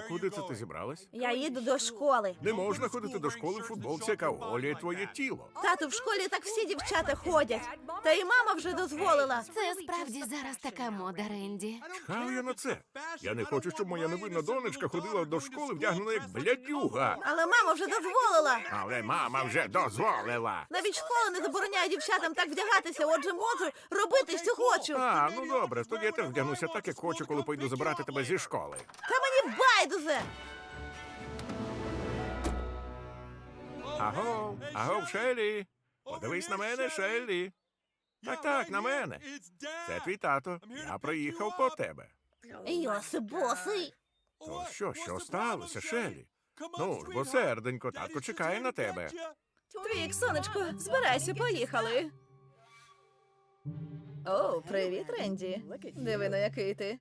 Куди це ти зібралась? Я їду до школи. Не можна ходити до школи в футболці, яка оголює твоє тіло. Тату, в школі так всі дівчата ходять. Та і мама вже дозволила. Це справді зараз така мода, Ренді. Чхаю я на це. Я не хочу, щоб моя невинна донечка ходила до школи вдягнена як блядюга. Але мама вже дозволила. Але мама вже дозволила. Навіть школа не забороняє дівчатам так вдягатися, отже можу робити, що хочу. А, ну добре, тоді я теж вдягнуся так, як хочу, коли пойду забирати тебе зі школи. Та мені байдуже. Агов, Шеллі. Подивись на мене, Шеллі. Так, на мене. Це твій тато. Я приїхав по тебе. Йосип босий. То що сталося, Шеллі? Ну ж, бо серденько, татко чекає на тебе. Твік, сонечко, збирайся, поїхали. О, привіт, Ренді. Диви, на який ти.